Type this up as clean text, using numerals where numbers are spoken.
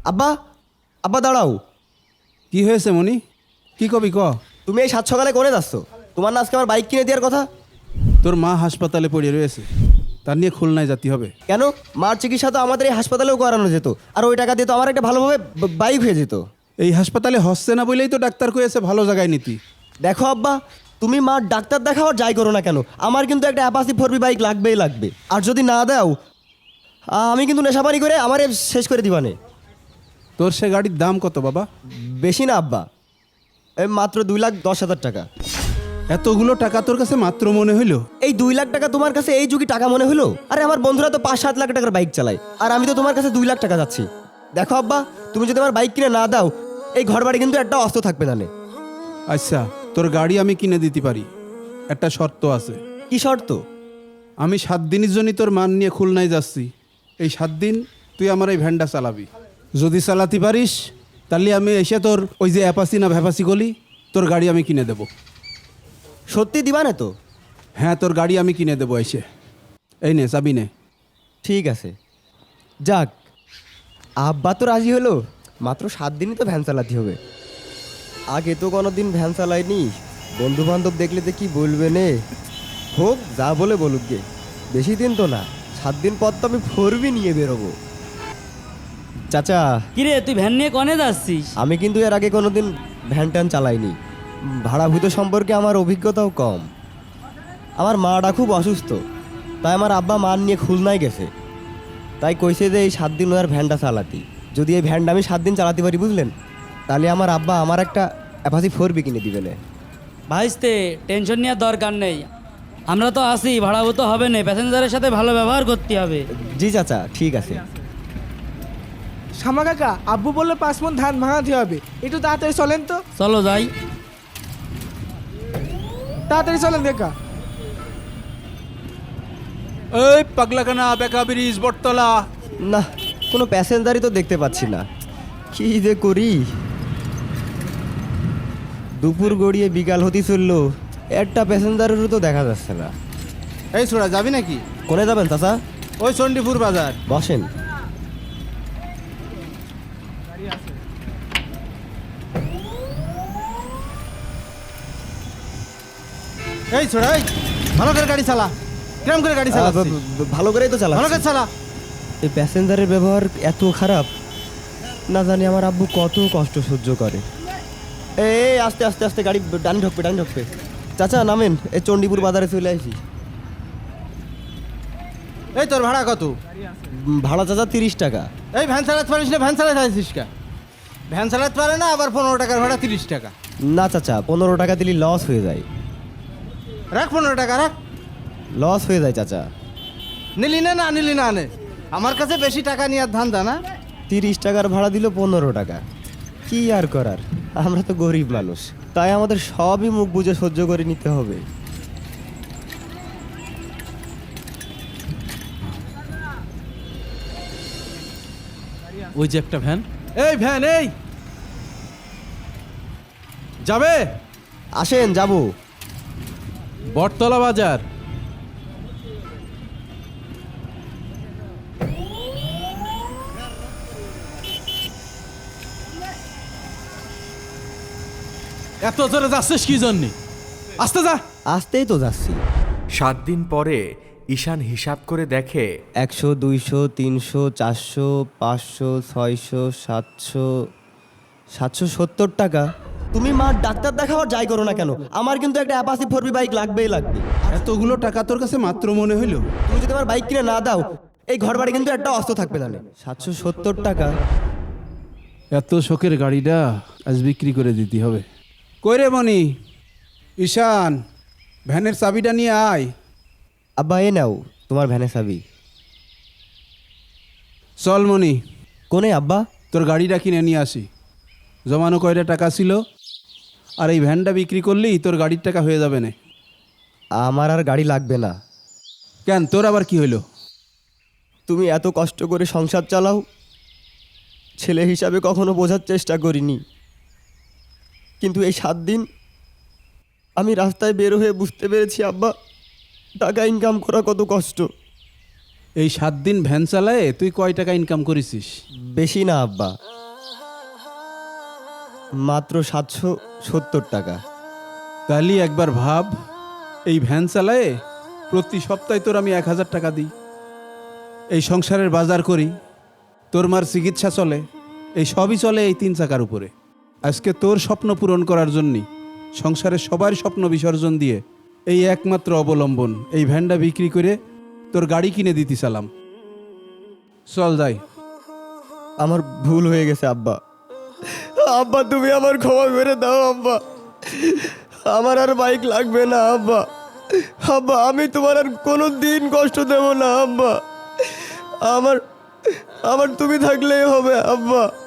আব্বা, আব্বা দাঁড়াও। কি হয়েছে মনি? কি কবি ক। তুমি এই 7 সকালে করে যাচ্ছ? তোমার না আজকে আমার বাইক কিনে দেওয়ার কথা? তোর মা হাসপাতালে পড়ে রয়েছে, তার নিয়ে খুলনায় যেতে হবে। কেন? মার চিকিৎসা তো আমাদের এই হাসপাতালেও করানো যেত, আর ওই টাকা দিয়ে তো আমার একটা ভালোভাবে বাইক হয়ে যেত। এই হাসপাতালে হচ্ছে না বলেই তো ডাক্তার কয়েছে ভালো জায়গায় নিতি। দেখো আব্বা, তুমি মার ডাক্তার দেখাও আর যাই করো না কেন, আমার কিন্তু একটা অ্যাপাসি 4B বাইক লাগবেই লাগবে। আর যদি না দাও, আমি কিন্তু নেশাপানি করে আমারে শেষ করে দিবানে। তোর সে গাড়ির দাম কত বাবা? বেশি না আব্বা, এই মাত্র 2,10,000 টাকা। এতগুলো টাকা তোর কাছে মাত্র মনে হইলো? এই 2 লাখ টাকা তোমার কাছে এই যুগে টাকা মনে হলো? আরে আমার বন্ধুরা তো 5-7 লাখ টাকার বাইক চালায়, আর আমি তো তোমার কাছে 2 লাখ টাকা যাচ্ছি। দেখো আব্বা, তুমি যদি আমার বাইক কিনে না দাও, এই ঘর বাড়ি কিন্তু একটা অস্ত থাকবে না। আচ্ছা, তোর গাড়ি আমি কিনে দিতে পারি, একটা শর্ত আছে। কি শর্ত? আমি 7 দিনের জন্য তোর মান নিয়ে খুলনায় যাচ্ছি। এই 7 দিন তুই আমার এই ভ্যানটা চালাবি। যদি চালাতে পারিস তাহলে আমি এসে তোর ওই যে অ্যাপাসি না ভ্যাপাসি গলি, তোর গাড়ি আমি কিনে দেবো। সত্যি দিবা না তো? হ্যাঁ, তোর গাড়ি আমি কিনে দেবো এসে। এই নে চাবি নে। ঠিক আছে, যাক, আব্বা তো রাজি হলো। মাত্র 7 দিনই তো ভ্যান চালাতে হবে। আগে তো কোনো দিন ভ্যান চালাইনি, বন্ধু বান্ধব দেখলে তো কি বলবে নে। হোক, যা বলে বলুক গে, বেশি দিন তো না, 7 দিন পর তো আমি 4B নিয়ে বেরোবো। চাচা, কিরে তুই ভ্যান নিয়ে কনে যাচ্ছিস? আমি কিন্তু এর আগে কোনো দিন ভ্যান ট্যান চালাইনি, ভাড়াভূত সম্পর্কে আমার অভিজ্ঞতাও কম। আমার মাটা খুব অসুস্থ, তাই আমার আব্বা মা নিয়ে খুলনায় গেছে। তাই কইছে যে এই 7 দিন ওর ভ্যানটা চালাতি। যদি এই ভ্যানটা আমি 7 দিন চালাতে পারি, বুঝলেন, তাহলে আমার আব্বা আমার একটা অ্যাপাসি 4B কিনে দিবেন। ভাইস্তে, টেনশন নেওয়ার দরকার নেই, আমরা তো আসি, ভাড়াভূত হবে না, প্যাসেঞ্জারের সাথে ভালো ব্যবহার করতে হবে। জি চাচা, ঠিক আছে। শ্যামা কাকা, আব্বু বললো 5 মণ ধান ভাঙাতে হবে, একটু তাড়াতাড়ি চলেন তো। চলো যাই। তাড়াতাড়ি চলেন কাকা। এই পাগলাখানা, বেকা ব্রিজ, বটতলা। না, কোনো প্যাসেঞ্জারই তো দেখতে পাচ্ছি না, কি যে করি। দুপুর গড়িয়ে বিকাল হতে চললো, একটা প্যাসেঞ্জারেরও তো দেখা যাচ্ছে না। এই ছোড়া, যাবি নাকি? কোনে যাবেন চাচা? ওই চণ্ডীপুর বাজার। বসেন। এই ছোড়া, এই ভালো করে গাড়ি চালা। কিরম করে গাড়ি চালা? ভালো করেই তো চালা। ভালো করে চালা। এই প্যাসেঞ্জারের ব্যবহার এত খারাপ, না জানি আমার আব্বু কত কষ্ট সহ্য করে। এই আস্তে আস্তে আস্তে গাড়ি ডান ঢুকবে, ডান ঢুকবে। চাচা নামেন, এই চণ্ডীপুর বাজারে চলে আসি। এই তোর ভাড়া কত? ভাড়া চাচা 30 টাকা। এই ভ্যান চালাতে পারিস না? ভ্যান চালাতে আসিস কা? ভ্যান চালাতে পারে না, আবার 15 টাকার ভাড়া 30 টাকা। না চাচা, 15 টাকা দিলে লস হয়ে যায়। রাখ 15 টাকা রাখ। লস হয়ে যায় চাচা। নিলি না? না নিলি না নে। আমার কাছে বেশি টাকা নিয়ে ধান্দা না। 30 টাকার ভাড়া দিল 15 টাকা, কি আর করার, আমরা তো গরিব মানুষ, তাই আমাদের সবই মুখ বুঝে সহ্য করে নিতে হবে। ওই যে একটা ভ্যান। এই ভ্যান, এই যাবে? আসেন, যাবো। বটতলা বাজার। এত জোরে যাচ্ছিস কি জন্যে? আস্তে যা। আসতেই তো যাচ্ছি। 7 দিন পরে ঈশান হিসাব করে দেখে 100, 200, 300, 400, 500, 600, 700, 770 টাকা। তুমি মা ডাক্তার দেখাও আর যাই করো না কেন, আমার কিন্তু একটা অ্যাপাসি 4B বাইক লাগবেই লাগবে। এতগুলো টাকা তোর কাছে মাত্র মনে হইলো? তুমি যদি আমার বাইক কিনে না দাও, এই ঘর বাড়ি কিন্তু একটা অস্ত থাকবে না। 770 টাকা। এত শখের গাড়িটা আজ বিক্রি করে দিতে হবে। কই রে মনি? ঈশান, ভ্যানের চাবিটা নিয়ে আয়। আব্বা, এ নাও তোমার ভ্যানের চাবি। চল মনি, কোনে আব্বা? তোর গাড়িটা কিনে নিয়ে আসি। জমানো কয়টা টাকা ছিল, আর এই ভ্যানটা বিক্রি করলেই তোর গাড়ির টাকা হয়ে যাবে না। আমার আর গাড়ি লাগবে না। কেন, তোর আবার কি হইলো? তুমি এত কষ্ট করে সংসার চালাও, ছেলে হিসাবে কখনো বোঝার চেষ্টা করিনি, কিন্তু এই 7 দিন আমি রাস্তায় বের হয়ে বুঝতে পেরেছি আব্বা, টাকা ইনকাম করা কত কষ্ট। এই 7 দিন ভ্যান চালায়ে তুই কয় টাকা ইনকাম করেছিস? বেশি না আব্বা, মাত্র 770 টাকা। তাহলে একবার ভাব, এই ভ্যান চালায়ে প্রতি সপ্তাহে তোর আমি 1000 টাকা দিই, এই সংসারের বাজার করি, তোর মার চিকিৎসা চলে, এই সবই চলে এই 3 চাকার উপরে। আজকে তোর স্বপ্ন পূরণ করার জন্যই সংসারের সবার স্বপ্ন বিসর্জন দিয়ে এই একমাত্র অবলম্বন এই ভ্যানটা বিক্রি করে তোর গাড়ি কিনে দিতে চালাম। চল যাই। আমার ভুল হয়ে গেছে আব্বা। আব্বা তুমি আমার ক্ষমা করে দাও আব্বা, আমার আর বাইক লাগবে না আব্বা। আব্বা আমি তোমার আর কোনো দিন কষ্ট দেব না আব্বা, আমার আমার তুমি থাকলেই হবে আব্বা।